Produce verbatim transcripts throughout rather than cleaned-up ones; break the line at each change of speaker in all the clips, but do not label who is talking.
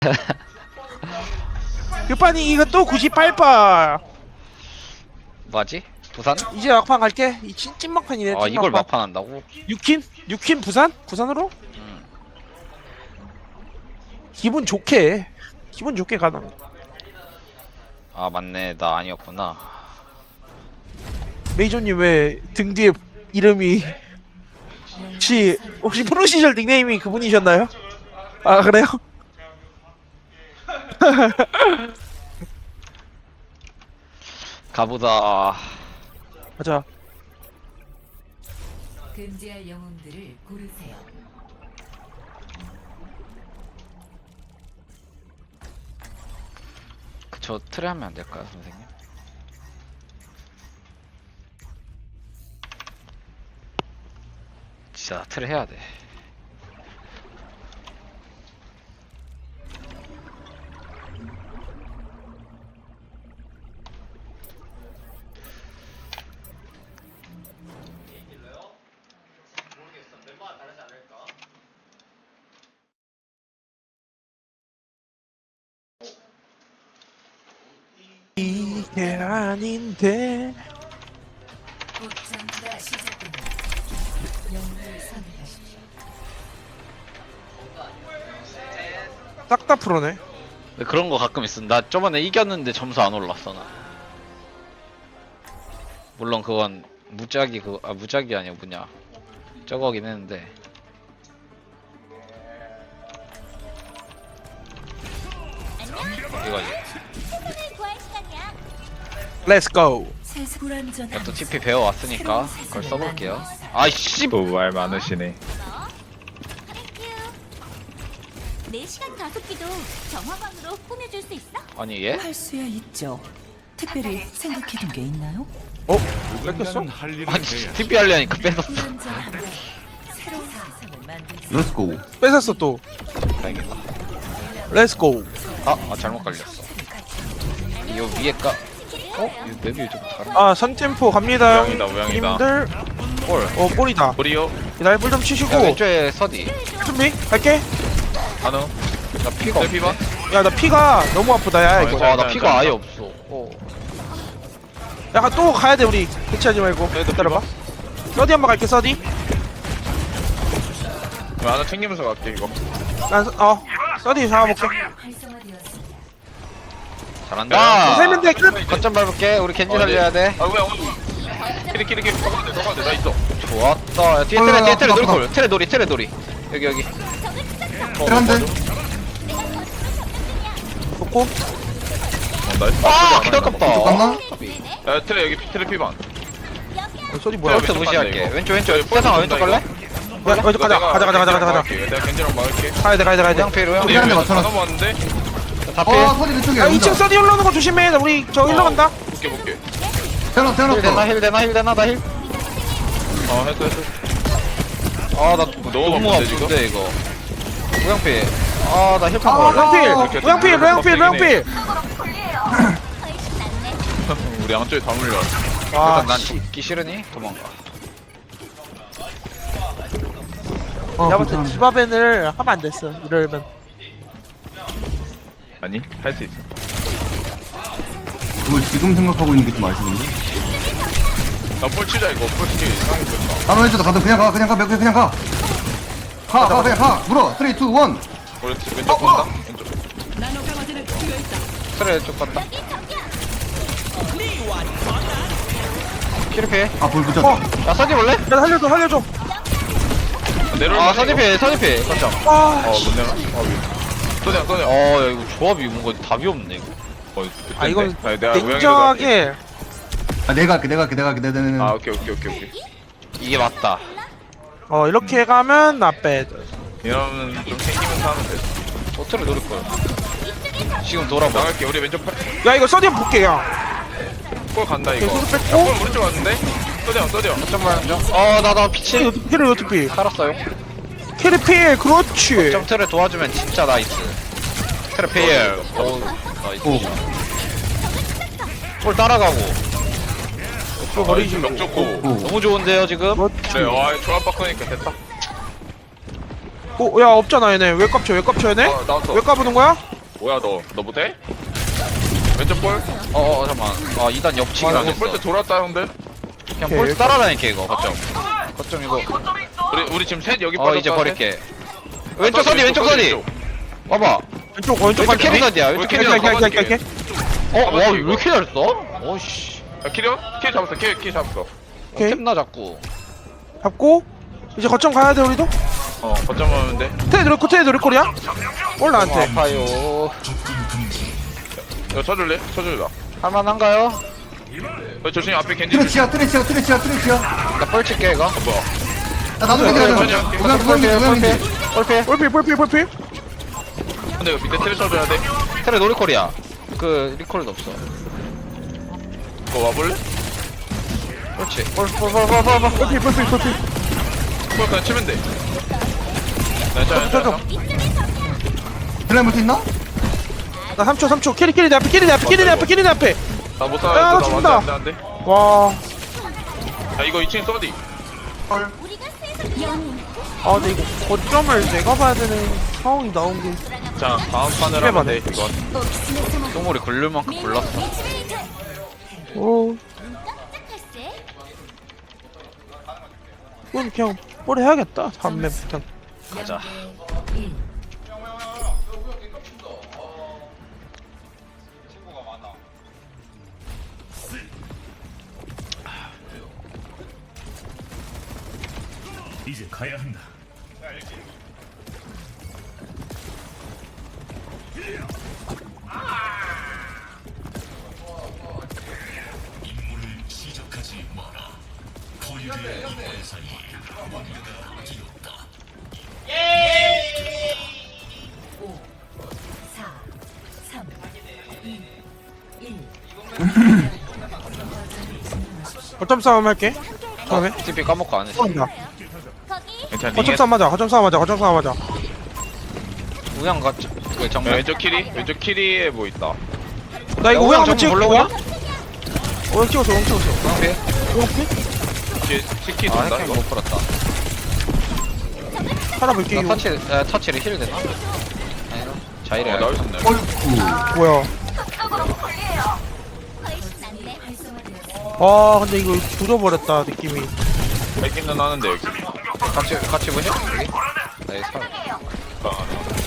급반이 이거 또 구십팔 번.
뭐지? 부산?
이제 막판 갈게. 이 찐, 찐 막판이네.
아
찐
이걸
막판.
막판 한다고?
육킨? 육킨 부산? 부산으로?
음.
기분 좋게. 기분 좋게 가나.
아 맞네 나 아니었구나.
메이저님 왜 등 뒤에 이름이 혹시 혹시 프로 시절 닉네임이 그분이셨나요? 아 그래요?
가보자.
가자.
금지할 영웅들을 고르세요.
그저 틀에 하면 안 될까요 선생님? 진짜 틀에 해야 돼.
이게 아닌데.
곧 전투가 시작됩니다. 영웅을 선택하십시오.
싹 다 풀어네.
근데 그런 거 가끔 있음. 나 저번에 이겼는데 점수 안 올랐어 나. 물론 그건 무작위 그 아 무작위 아니야 뭐냐 저거긴 했는데. 이거지.
Let's go.
불안전한
또 티피 배워왔으니까 그걸 써볼게요. 아이씨.
또 말 많으시네.
네 시간 가속기도 정화광으로 꾸며줄 수 있어?
아니 얘?
할 수야 있죠. 특별히 생각해둔 게 있나요?
어? 뺏겼어?
아니 티피 하려니까 뺏었어.
불안전한 새로운 세상을 만들 수
렛츠고.
뺏었어 또.
다행이다.
Let's go.
아, 아 잘못 걸렸어. 이 위에가 어? 이 맵이 좀 다른.
아 선템포 갑니다.
우양이다, 우양이다.
님들.
볼.
어 볼이다.
우리요.
날불 좀 치시고
야, 왼쪽에 서디.
준비 갈게.
한우.
나 피가
내
없네.
피반.
야 나 피가 너무 아프다 야 이거.
아, 나 피가 아예 없어. 어.
야 또 가야 돼 우리. 대치하지 말고.
얘도
기다려봐. 서디 한번 갈게 서디.
하나 챙기면서 갈게 이거.
난어 서디 잡아볼게.
활성화되었습니다.
잘한다.
세면 돼 끝.
거점 밟을게. 우리 겐지
어, 네.
살려야 돼.
아 뭐야? 키리 키리 키리. 더 가도 돼, 더 가도 돼. 나 있어.
좋았다. 야, 뒤에
어,
트레
어,
뒤에 트레
어,
놀이콜. 트레 놀이 트레 놀이. 여기 여기.
한대.
좋고.
어, 나이스.
아, 개 아깝다.
야 트레 여기 트레 피반.
어, 서디 뭐야?
왼쪽 무시할게. 왼쪽 왼쪽. 세상아 왼쪽 갈래?
야, 왼쪽 가자 가자 가자 가자 가자 가자.
내가 겐지랑 막을게.
가야 돼 가야 돼 가야 돼.
양패로 양.
근데
한대
여기
맞춰놨어.
하나 왔는데.
다 피해.
어, 소리 그쪽에
야 이 층 서디 올라오는 거 조심해. 우리 저 일로 간다.
볼게 볼게.
태어났어,
힐 되나
태어났어.
힐 되나 힐 되나 나 힐.
어 했어 했어.
아나
너무
너무
아픈데, 지금?
아픈데 이거. 우양패. 아나 힐판
아,
걸래?
로양필
이렇게
로양필 로양필 로양필.
훨씬 낫네.
우리 양쪽에 다 물려.
와
일단 난 죽기 싫으니 도망가.
어,
내가 볼때
괜찮아.
디바벤을 하면 안 됐어 이러면.
아니 할 수 있어.
그걸 지금 생각하고 있는 게 좀 아쉬운데?
나볼 치자 이거. 볼 치기 이상하게 됐다.
나도 해줘도 가도 그냥 가, 그냥 가, 그냥 그냥 가. 가, 가, 그냥 가. 물어. 쓰리, 투, 원.
우리 왼쪽 본다. 왼쪽.
트레 쪽 갔다. 키르페.
아, 볼 붙였다.
어.
야 서디 볼래?
야 살려줘 살려줘.
내려올만
아 서디페 서디페 거점.
아
어, 못 내려. 아, 위. 쏘냐, 쏘냐.
어, 야, 이거 조합이 뭔가 답이 없네, 이거.
어,
아 이건
아니, 내가 우양이로 갈게.
냉정하게.
아, 내가 할게, 내가 할게, 내가 할게, 내가, 내가, 내가.
아, 오케이, 오케이, 오케이, 오케이.
이게 맞다.
어 이렇게 가면 나 빼.
이러면 좀 챙기면서 하면 돼.
어트를 노릴 거야. 지금 돌아봐.
나갈게. 우리 왼쪽 팔.
야 이거 서디 한번 볼게 야.
골 간다 이거.
계속
야,
뺐고.
골 오른쪽 왔는데. 쏘냐, 쏘냐.
잠깐만, 좀. 어, 나, 나 피치.
캐리 어떻게?
살았어요.
캐리 필 그렇지.
점 트를 도와주면 진짜 나이스. 트레 페일. 오, 나이스.
오.
골 따라가고.
또 버리지.
명 좋고.
오.
너무 좋은데요, 지금?
그렇지.
네, 와, 조합 바꾸니까 됐다.
오, 야 없잖아 얘네. 왜 깝쳐? 왜 깝쳐 얘네?
어 나왔어.
왜 까부는 거야?
뭐야 너? 너 못해? 왼쪽 볼?
어어 잠깐만. 아 이 단 옆치기
아,
당했어.
볼때 돌았다 형들.
그냥
오케이,
볼 따라다니게 이거 거점. 거점 이거.
우리 우리 지금 셋 여기
어
빠졌다.
이제
셋.
버릴게. 왼쪽 서디 왼쪽 서디. 봐봐.
왼쪽 왼쪽
왼쪽 캐리
갈게.
서디야. 왼쪽 캐리
갈게
서디.
갈게 갈게 갈게.
어, 와, 왜 이렇게 잘했어? 어이씨.
야 키리온? 키 잡았어. 키, 키 잡았어.
오케이.
템나 자꾸.
잡고 이제 거점 가야 돼 우리도.
어 거점 오면 돼.
테드 넣고 테드 넣고리야. 올
너무
나한테.
아파요.
야 쳐줄래? 쳐줄라.
할만한가요?
어, 조심히 앞에 겐지.
트레치야 트레치야 트레치야 트레치야.
나 뻘칠게 이거.
어, 뭐야?
야 나도 겐지 가자.
네,
우양 우양 겐지 우양 겐지.
뻘필.
볼필 볼필 볼필.
근데 이거 밑에 트레 쳐줘야 돼.
테레 노리콜이야. 그 리콜도 없어.
너 와볼래?
그렇지. 뻘뻘뻘뻘뻘.
볼필 볼필 볼필.
그거 그냥 치면 돼. 괜찮아
저저.
괜찮아.
딜라인 볼수 있나?
나 삼 초 삼 초. 캐리 캐리 내 앞에 캐리 내 앞에 캐리 내 앞에 캐리 내 앞에.
나못
야,
살아.
나
나
죽는다.
안돼 안돼.
와.
야 이거 이 층 써디.
헐.
우리가 세상 영웅
아 근데 이거 거점을 내가 봐야 되는 상황이 나온 게.
자 다음 판을
집에
하면
가네.
돼 이건.
똥물이 걸릴 만큼 골랐어.
오.
깜짝할세.
이건 그냥 오래 해야겠다. 다음 맵부터.
가자.
일.
이제 가야 한다. 임무를 시작하지 마라. 포유의 대상이 뭔가가 되었다.
오, 사, 삼, 이, 일.
거점 싸움 할게. 다음에.
티피 까먹고 안 했어.
싸운다.
거기
괜찮아.
거점
링에
싸움 하자. 거점 싸움 하자. 거점 싸움 하자.
우양 같지. 그
야,
정면.
왼쪽 키리 왼쪽 키리에 뭐 있다.
나 이거
야,
우양
우양
한번
좀
찍을게.
볼라고
우양. 우양 찍었어. 우양 찍었어.
깡패.
우양 찍?
뒤에 치키
아
돈다
핵
이거.
못 풀었다.
살아볼게
나
이거.
터치, 에, 터치를 힐 되나? 아니라 자이래.
어 나올 수 있네.
어이구.
뭐야.
훨씬 낫네.
활성화되었습니다.
아 근데 이거 굳어버렸다 느낌이.
뺏기는 하는데 여기.
같이 같이 보냐? 여기. 나이 살.
아,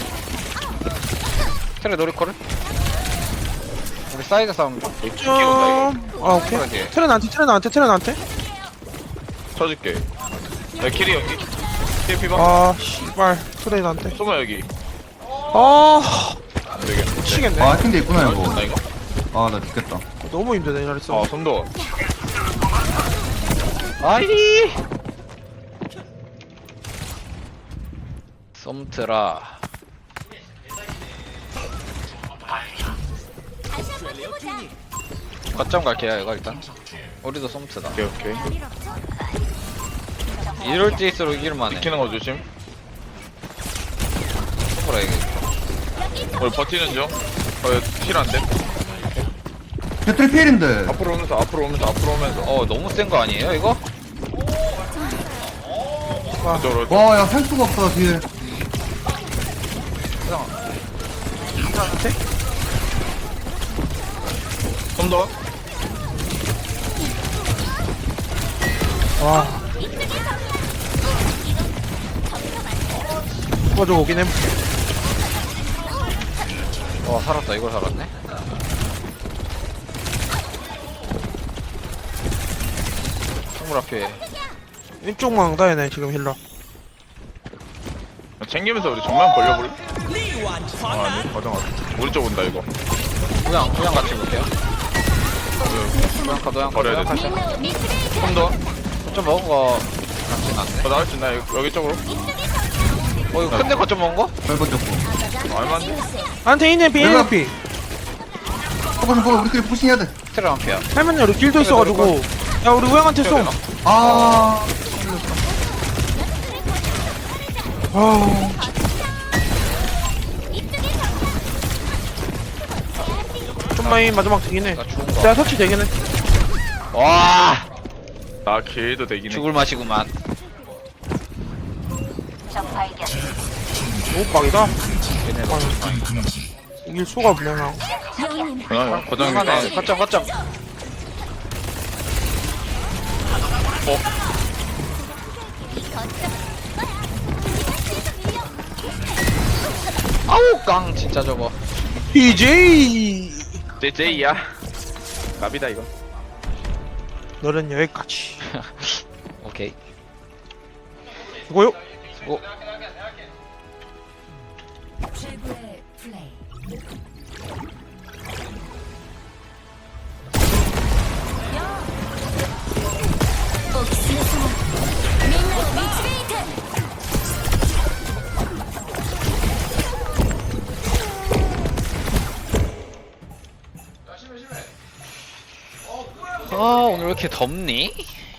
테레 노리콜을? 우리 사이드 싸움 좀.
치키 온다 이거.
아 오케이.
그러게.
트레 나한테 트레 나한테 트레 나한테.
쳐줄게. 야 키리 여기. 키리 피방.
아 씨발 트레 나한테.
쏘마 여기.
아
안 되겠네.
미치겠네.
아 근데 있구나
나
이거.
이거.
아 나 죽겠다.
너무 힘드네 이날 써.
아 손도.
아이. 썸트라.
다시 한번 해보자.
거점 갈게요 이거 일단. 우리도 썸트다.
오케이 오케이.
이럴 때일수록 이길만해.
지키는 거 조심.
손보라 이게.
우리 버티는 중. 어힐안 돼.
야 트리필인데.
앞으로 오면서 앞으로 오면서 앞으로 오면서.
어 너무 센 거 아니에요 이거?
이쪽으로.
와야 살 수가 없다 뒤에.
좀 더.
와. 가지고 오긴 해.
와 살았다 이걸 살았네. 선물 앞에.
왼쪽만 온다 얘네 지금 힐러.
챙기면서 우리 정면 벌려볼래? 아, 아니 과정 왔어. 우리 쪽 온다 이거.
우양 우양 같이 볼게요. 우양 카드 우양 카드
버려야
우양
돼.
카드.
좀 더.
거점 먹은 거 같진 않네.
어, 나올 수 있나 여기, 여기 쪽으로?
어 이거 큰데 거점 먹은 거?
별거 없고.
어, 얼마인데?
한테 이네피 이네피.
퍼버 좀 퍼버 우리끼리 푸싱해야 돼.
테레 한 피야.
할머니 우리 길도 있어가지고. 야 우리 우양한테 쏘.
아.
아. 좀만이 마지막 되긴 해.
나 죽은 거.
내가 터치 되긴 해.
와
나 길도 되긴 해.
죽을 맛이구만.
오빡이다.
얘네가
이길 수가 없네요.
여우님
그냥 거정이
하나 거점 거점 아우 깡 진짜 저거
피제이
제제이야. 갑이다 이거.
너는 여기까지.
오케이
이거요?
수고
최고의 플레이.
옥수수 민노 미츠레이트
아 오늘 왜 이렇게 덥니?